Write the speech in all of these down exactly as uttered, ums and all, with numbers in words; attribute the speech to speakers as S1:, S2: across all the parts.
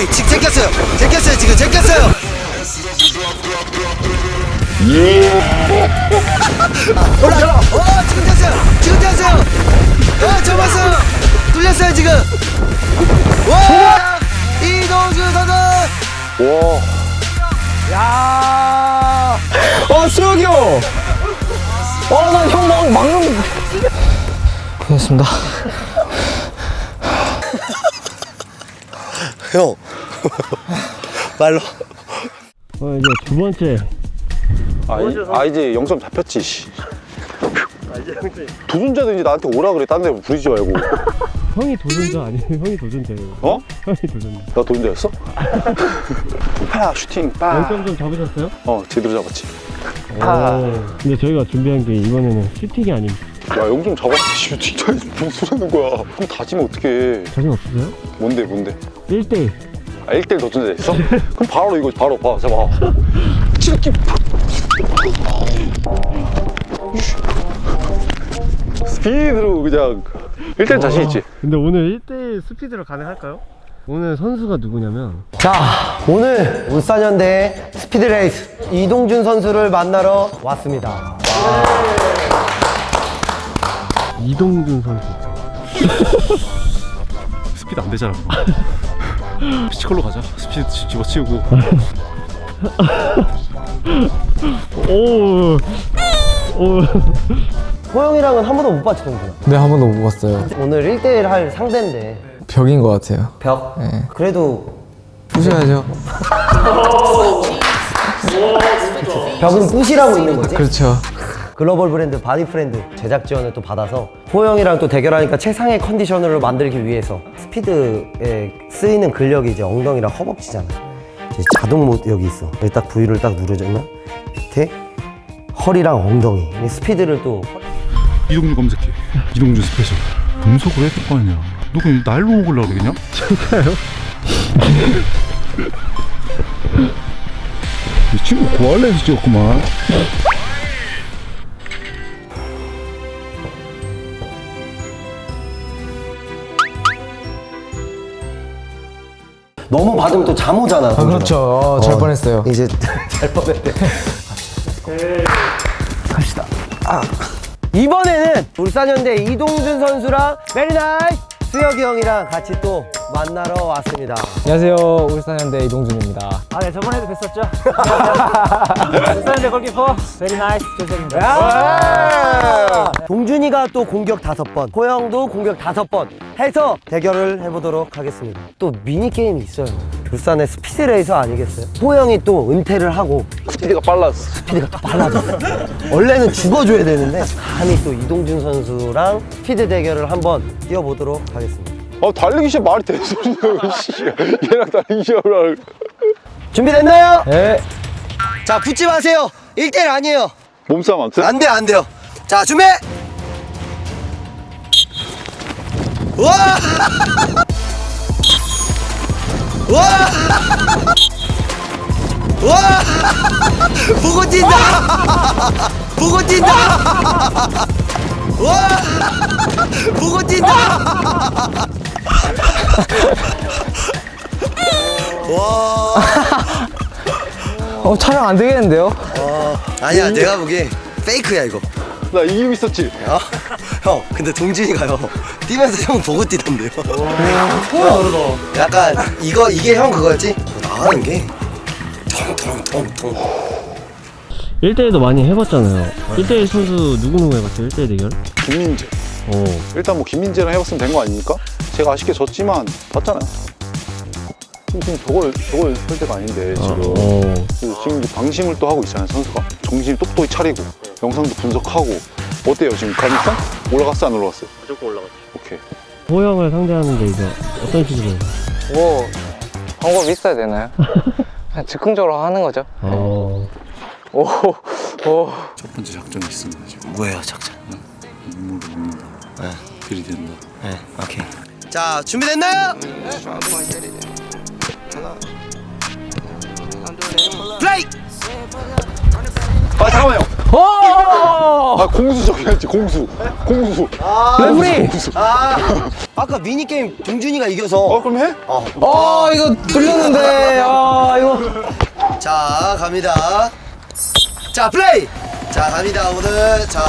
S1: 오케이 지금 제꼈어요. 제꼈어요 지금 제꼈어요. 올라. 어 지금 됐어요. 지금 됐어요. 어 접었어요. 뚫렸어요 지금. 와 이동준 선수.
S2: 와.
S3: 야. 어 수혁이 형. 어 난 형 막 막는. 고맙습니다.
S1: 형 말로.
S4: 어 이제 두 번째.
S2: 아, 이, 아 이제 영점 잡혔지. 씨. 도전자도 이제 나한테 오라 그래. 딴 데 부르지 말고.
S4: 형이 도전자 아니에요? 형이 도전자예요.
S2: 어?
S4: 형이 도전자.
S2: 나 도전자였어? 파 슈팅 빠.
S4: 영점 좀 잡으셨어요?
S2: 어 제대로 잡았지.
S4: 오. 근데 저희가 준비한 게 이번에는 슈팅이 아닙니다.
S2: 야 영점 잡았지. 슈팅 차에서 무슨 소리 하는 거야. 그럼 다지면 어떡해.
S4: 자신 없으세요?
S2: 뭔데 뭔데?
S4: 일 대 일.
S2: 아 일 대 일 도전자 있어? 그럼 바로 이거 바로 봐. 잡아. 치르기. 스피드로 그냥 일 대 일 자신 있지?
S4: 근데 오늘 일 대 일 스피드로 가능할까요? 오늘 선수가 누구냐면
S1: 자 오늘 울산현대 스피드레이스 이동준 선수를 만나러 왔습니다.
S4: 이동준 선수.
S5: 스피드 안 되잖아. 피지컬로 가자. 스피드 집어치우고.
S4: 오. 오.
S1: 호영이랑은 한 번도 못 봤지 동준아?
S3: 네, 한 번도 못 봤어요.
S1: 오늘 일 대 일 할 상대인데
S3: 벽인 것 같아요.
S1: 벽?
S3: 네.
S1: 그래도
S3: 부셔야죠.
S1: 벽은 부시라고 있는 거지?
S3: 그렇죠.
S1: 글로벌 브랜드 바디프렌드 제작 지원을 또 받아서 호영이랑 또 대결하니까 최상의 컨디션으로 만들기 위해서 스피드에 쓰이는 근력이 이제 엉덩이랑 허벅지잖아. 이제 자동 모드 여기 있어. 여기 딱 부위를 딱 누르면 밑에 허리랑 엉덩이 이 스피드를 또
S5: 이동준 검색해. 이동준 스페셜. 분석을 해야 될 거 아니야. 너 그냥 날로 먹으려고 그러냐?
S4: 제가요?
S5: 이 친구 고알레에서 찍었구만.
S1: 너무 받으면 또 잠 오잖아.
S3: 아, 그렇죠. 어, 잘 뻔했어요.
S1: 이제 잘 뻔했대. 갑시다. 아. 이번에는 울산현대 이동준 선수랑 메리나이 수혁이 형이랑 같이 또 만나러 왔습니다.
S3: 안녕하세요. 울산현대 이동준입니다.
S6: 아, 네, 저번에도 뵀었죠? 울산현대 골키퍼 베리 나이스 조석입니다.
S1: 동준이가 또 공격 다섯 번, 호영도 공격 다섯 번 해서 대결을 해보도록 하겠습니다. 또 미니게임이 있어요. 울산의 스피드레이서 아니겠어요? 호영이 또 은퇴를 하고
S2: 스피드가 빨랐어.
S1: 스피드가 또 빨라졌어. 원래는 죽어줘야 되는데 감히 또 이동준 선수랑 스피드 대결을 한번 뛰어보도록 하겠습니다.
S2: 아 달리기 시합 말이 되는 소리야. 씨. 얘랑 달리기 시합을 할.
S1: 준비됐나요?
S3: 네.
S1: 자, 붙지 마세요. 일 대 일 아니에요.
S2: 몸싸움 안 돼?
S1: 안 돼요, 안 돼요. 자, 준비! 우와! 우와! 우와! 보고 뛴다! 보고 뛴다! 우와! 보고 뛴다! 와!
S3: 어, 촬영 안 되겠는데요?
S1: 어, 아니야, 내가 보기엔 페이크야, 이거.
S2: 나 이기고 있었지?
S1: 어? 형, 근데 동준이가요 뛰면서 형 보고 뛰던데요. 약간 이거 이게 형 그거였지? 나가는 게 통통통통.
S4: 일 대 일도 많이 해봤잖아요. 일 대 일 선수 누구누구 해봤죠? 일 대 일 대결?
S2: 김민재.
S4: 오.
S2: 일단 뭐 김민재랑 해봤으면 된 거 아닙니까? 제가 아쉽게 졌지만 봤잖아요. 지금 저걸 저걸 할 때가 아닌데 지금.
S4: 오.
S2: 그래서 지금 이제 방심을 또 하고 있잖아요 선수가. 정신 똑똑히 차리고 영상도 분석하고. 어때요 지금 가능성? 올라갔어 안 올라갔어요?
S6: 무조건 올라갔죠.
S2: 오케이.
S4: 호영을 상대하는데 이제 어떤 식으로 해요?
S3: 뭐 방법이 있어야 되나요? 그냥 즉흥적으로 하는 거죠.
S4: 어.
S3: 오, 오.
S5: 첫 번째 작전이 있습니다 지금.
S1: 뭐예요, 작전?
S5: 눈물을 먹는다.
S1: 네.
S5: 들이댄다.
S1: 네, 오케이. 자, 준비됐나요? 플레이!
S2: 아 잠깐만요.
S3: 오!
S2: 아 공수 적혀야지 공수 공수
S3: 레프리!
S1: 아, 아까 미니게임 동준이가 이겨서.
S2: 어 그럼 해?
S3: 어, 이거 뚫렸는데. 아, 이거.
S1: 자, 갑니다. 자, 플레이! 자, 갑니다, 오늘. 자.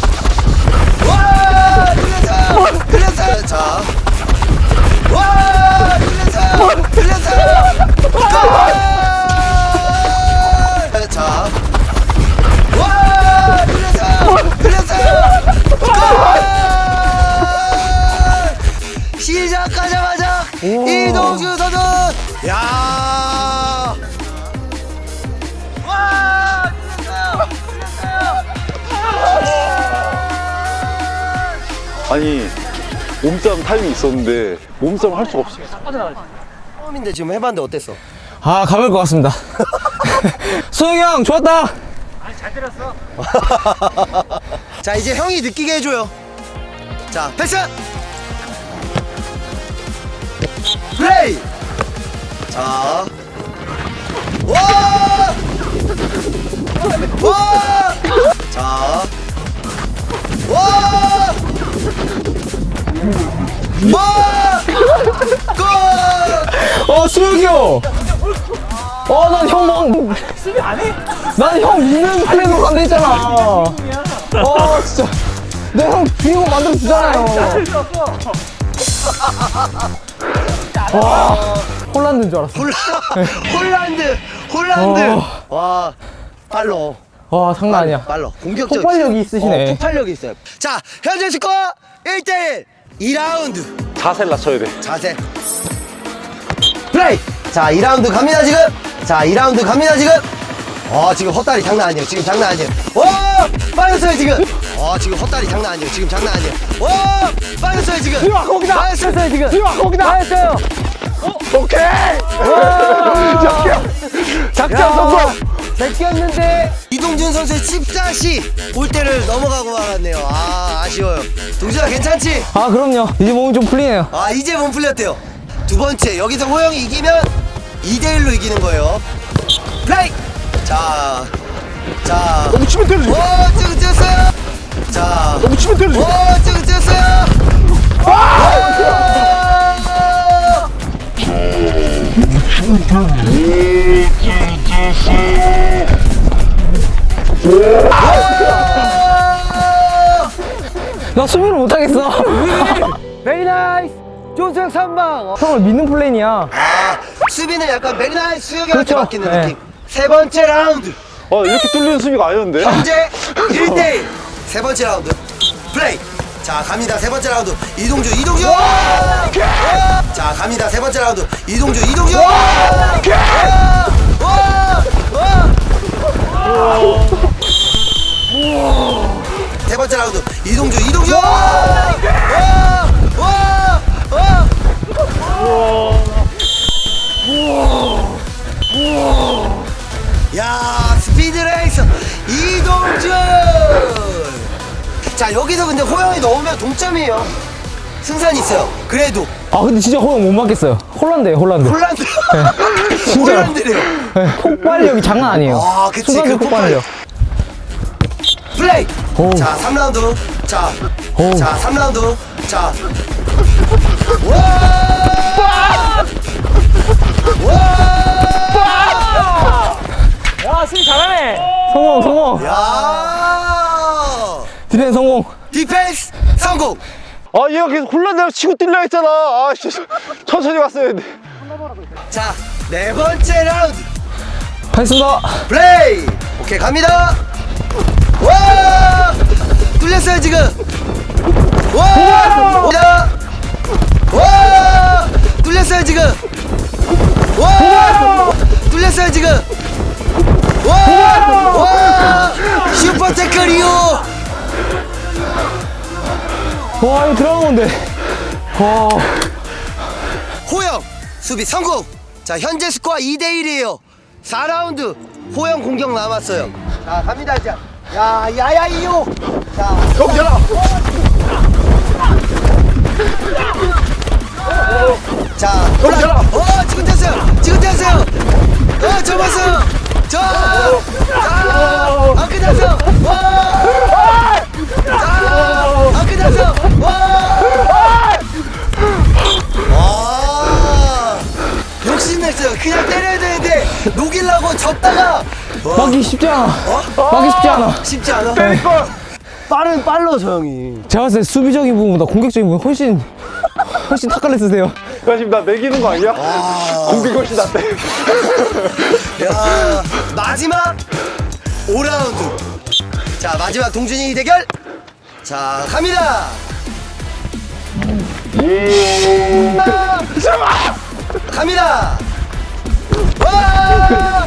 S1: 와! 틀렸어! 틀렸어! 자. 와! 틀렸어! 틀렸어! 골! 자. 와! 틀렸어! 틀렸어! 골! 시작하자마자 이동주 선수! 야! 와! 틀렸어요!
S2: 아니 몸싸움 타임이 있었는데 몸싸움 할 수가 없어.
S1: 처음인데 지금 해봤는데 어땠어?
S3: 아, 가볼 것 같습니다. 소영이 형, 좋았다!
S1: 자, 이제 형이 느끼게 해줘요. 자, 패스! 플레이! 자. 와! 와! 자. 와! 와! 골!
S3: 어, 수혁이 형! 어, 난 형 막. 수비 안 해? 난 형 믿는 플레이로 간다 했잖아. 어, 진짜. 내 형 주인공 만들어 주잖아요. 와, 홀란드인 줄 알았어.
S1: 홀라, 홀란드! 홀란드!
S3: 어.
S1: 와, 빨로.
S3: 와, 장난 아니야.
S1: 빨로. 공격적.
S3: 폭발력이 있으시네.
S1: 어, 폭발력이 있어요. 자, 현재 스코어 일 대 일. 이 라운드.
S2: 자세를 낮춰야 돼.
S1: 자세. 플레이! 자, 이 라운드 갑니다, 지금. 자, 이 라운드 갑니다, 지금. 어, 지금 헛다리 장난 아니에요. 지금 장난 아니에요. 오! 빠졌어요, 지금. 어, 지금 헛다리 장난 아니에요. 지금 장난 아니에요. 오! 빠졌어요, 지금.
S3: 이와, 거기다!
S1: 빠졌어요, 지금.
S3: 이와, 거기다!
S1: 빠졌어요.
S2: 오케이.
S1: 작전 성공! 제꼈는데 이동준 선수의 칩샷이 골대를 넘어가고 말았네요. 아, 아쉬워요. 동준아, 괜찮지?
S3: 아, 그럼요. 이제 몸이 좀 풀리네요.
S1: 아, 이제 몸 풀렸대요. 두 번째, 여기서 호영이 이기면 이 대 일로 이기는 거예요. 플레이! 자, 자.
S2: 너무 치면 때리지.
S1: 오, 지금 뛰었어요. 자,
S2: 너무 치면 때리지.
S1: 오, 지금 뛰었어요.
S3: 나 수비를 못하겠어.
S1: 베리 나이스. 조수영 선방.
S3: 형을 믿는 플레이야.
S1: 아, 수비는 약간 베리 나이스 수영이한테
S3: 그렇죠.
S1: 맡기는
S3: 네.
S1: 느낌. 세 번째 라운드.
S2: 아 이렇게 뚫리는 수비가 아니었는데.
S1: 현재 일 대 일. 세 번째 라운드. 플레이. 자, 갑니다. 세 번째 라운드. 이동주, 이동주. 자, 갑니다. 세 번째 라운드. 이동주, 이동주. 세 번째 라운드. 이동주, 이동주. 야, 스피드 레이서 이동준. 자, 여기서 근데 호영이 넣으면 동점이에요. 승산이 있어요. 그래도
S3: 아, 근데 진짜 호영 못 맞겠어요. 홀란드예요, 홀란드.
S1: 홀란드.
S3: 진짜로.
S1: 홀란드래요.
S3: 네, 폭발력이 장난 아니에요.
S1: 아, 그치.
S3: 순간적
S1: 그
S3: 폭발력.
S1: 플레이.
S3: 오.
S1: 자, 삼 라운드. 자,
S3: 오.
S1: 자, 삼 라운드. 자, 와! 와!
S6: 야, 수비 잘하네.
S3: 성공, 성공.
S1: 야!
S3: 디펜 성공.
S1: 디펜스 성공.
S2: 아 얘가 계속 홀란드를 치고 뛸라 했잖아. 아 씨, 천천히 갔어야 했는데.
S1: 자, 네 번째 라운드.
S3: 하겠습니다.
S1: 플레이. 오케이, 갑니다. 와! 뚫렸어요, 지금. 와! 와! 와! 뚫렸어요, 지금. 와! 뚫렸어요, 지금. 와! 와! 슈퍼 태클이요.
S3: 와, 이거 들어간 건데. 와.
S1: 호영 수비 성공. 자, 현재 스코어 이 대 일이에요. 사 라운드 호영 공격 남았어요. 자, 갑니다, 이제. 야, 야야 이요. 자,
S2: 경찰아.
S1: 자, 올라. 어, 지금 됐어요. 지금 됐어요. 어, 접었어요. 자, 자, 안 끝났어요. 와!
S3: 막기 쉽지 않아. 막기 쉽지 않아.
S1: 쉽지 않아? 빠른 빨라 저 형이.
S3: 제가 봤을 때 수비적인 부분보다 공격적인 부분 훨씬 훨씬 탁갈래 쓰세요.
S2: 지금 나 매기는 거 아니야? 공격이 훨씬 낫대.
S1: 야 마지막 오 라운드. 자 마지막 동준이 대결. 자 갑니다. 갑니다. 와!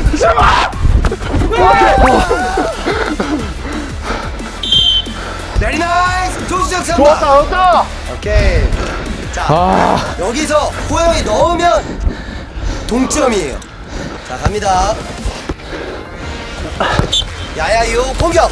S1: 베리 나이스! 조수정 선발!
S2: 좋았다, 좋았다!
S1: 오케이. 자,
S3: 아.
S1: 여기서 호영이 넣으면 동점이에요. 자, 갑니다. 야야이오 공격!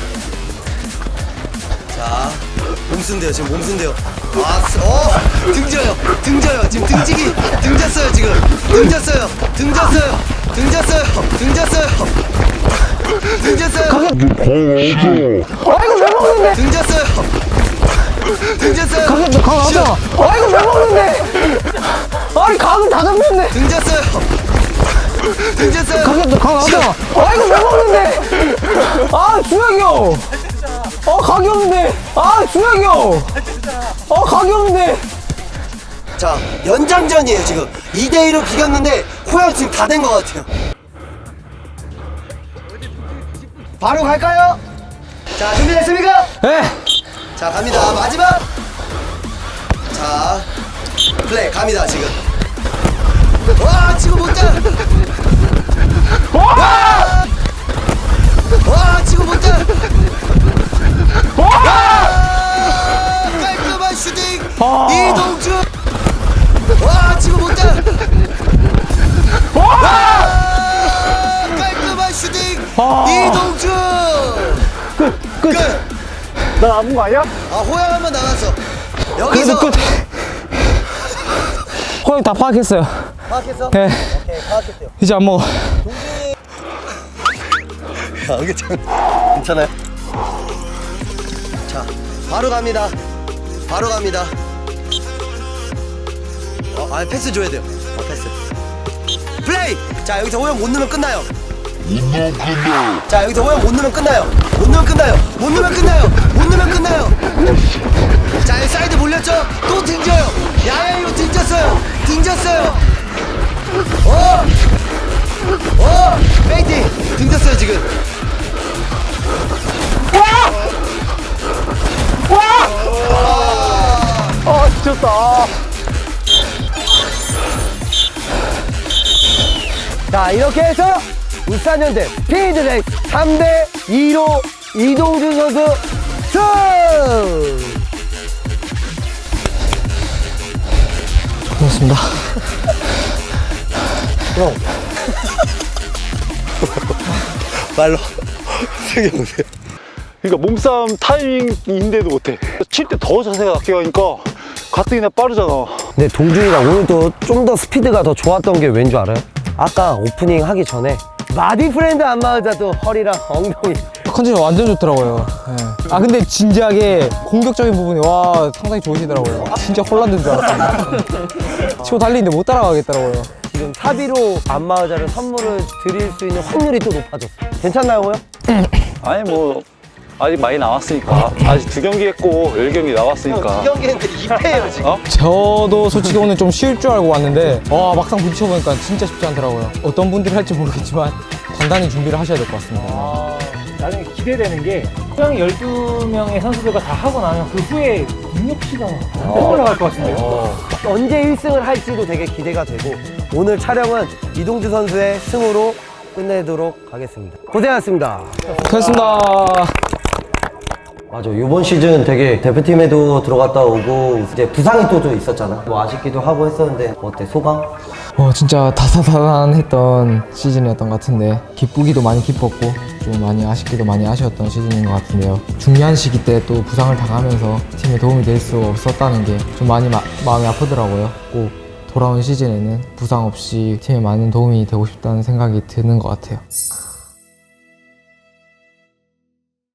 S1: 자, 몸쓴대요, 지금 몸쓴대요. 아, 어, 등져요, 등져요. 지금 등지기, 등졌어요, 지금. 등졌어요, 등졌어요, 등졌어요, 등졌어요. 등졌어요.
S3: 아이고 왜 먹는데?
S1: 등졌어요. 등졌어요.
S3: 가격 강 나왔잖아. 아이고 왜 먹는데? 아니 각은 다 잡혔네.
S1: 등졌어요. 등졌어요.
S3: 가격 강 나왔잖아. 아이고 왜 먹는데? 아 주혁이 형. 어 각이 없는데. 아 주혁이 형. 어 각이 없는데.
S1: 자, 연장전이에요, 지금. 이 대 이로 비겼는데, 호영 지금 다 된 것 같아요. 바로 갈까요? 자, 준비됐습니까?
S3: 네.
S1: 자, 갑니다. 마지막. 자, 플레이 갑니다, 지금. 와, 지금 못 자. 와! 와, 지금 못 자. 와! 깔끔한 슈팅.
S3: 아.
S1: 이동준. 와, 지금 못 자. 와! 깔끔한 슈팅.
S3: 아.
S1: 이동준. 끝. 끝.
S2: 나 남은 거 아니야?
S1: 아, 호영 한번 나갔어.
S3: 그래도
S1: 여기서
S3: 끝. 호영 다 파악했어요.
S1: 파악했어?
S3: 네.
S1: 오케이, 파악했대요.
S3: 이제 안 먹어.
S1: 야, 이게 참 괜찮아요? 자, 바로 갑니다. 바로 갑니다. 어, 아, 패스 줘야 돼요. 어, 패스. 플레이! 자, 여기서 호영 못 넣으면 끝나요. 자, 여기서 호영 못 넣으면 끝나요. 못 넣으면 끝나요. 못 넣으면 끝나요. 못 넣으면 끝나요. 자, 여기 사이드 몰렸죠? 또 등져요. 야야이로 등졌어요. 등졌어요. 어! 어! 페이팅! 등졌어요, 지금.
S2: 아, 지쳤다.
S1: 자, 이렇게 해서 울산현대 스피드레이스 삼 대 이로 이동준 선수 승!
S3: 고맙습니다.
S1: 형. 말로 세게 보세요.
S2: 그러니까 몸싸움 타이밍인데도 못해. 칠 때 더 자세가 낮게 가니까 가뜩이나 빠르잖아.
S1: 근데 동준이가 오늘도 좀 더 스피드가 더 좋았던 게 왠 줄 알아요? 아까 오프닝 하기 전에 마디 프렌드 안마의자도 허리랑 엉덩이
S3: 컨디션 완전 좋더라고요. 네. 아 근데 진지하게 공격적인 부분이 와 상당히 좋으시더라고요. 진짜 홀란드인 줄 알았어요. 치고 달리는데 못 따라가겠더라고요.
S1: 지금 사비로 안마의자를 선물을 드릴 수 있는 확률이 또 높아졌어. 괜찮나요, 호영?
S2: 아니 뭐 아직 많이 남았으니까. 아직 두 경기 했고 열 경기 나왔으니까.
S1: 두 경기 했는데 이 패예요, 지금.
S2: 어?
S3: 저도 솔직히 오늘 좀 쉬울 줄 알고 왔는데 와 막상 부딪혀보니까 진짜 쉽지 않더라고요. 어떤 분들이 할지 모르겠지만 단단히 준비를 하셔야 될 것 같습니다.
S6: 아, 나중에 기대되는 게 호영이 열두 명의 선수들과 다 하고 나면 그 후에 능력치가 어. 올라갈 것 같은데요.
S1: 언제 일 승을 할지도 되게 기대가 되고 오늘 촬영은 이동주 선수의 승으로 끝내도록 하겠습니다. 고생하셨습니다.
S3: 고맙습니다.
S1: 맞아, 이번 시즌 되게 대표팀에도 들어갔다 오고 이제 부상이 또 좀 있었잖아. 뭐 아쉽기도 하고 했었는데 뭐 어때, 소감?
S3: 어 진짜 다사다난했던 시즌이었던 것 같은데 기쁘기도 많이 기뻤고 좀 많이 아쉽기도 많이 아쉬웠던 시즌인 것 같은데요. 중요한 시기 때 또 부상을 당하면서 팀에 도움이 될 수 없었다는 게 좀 많이 마, 마음이 아프더라고요. 꼭 돌아온 시즌에는 부상 없이 팀에 많은 도움이 되고 싶다는 생각이 드는 것 같아요.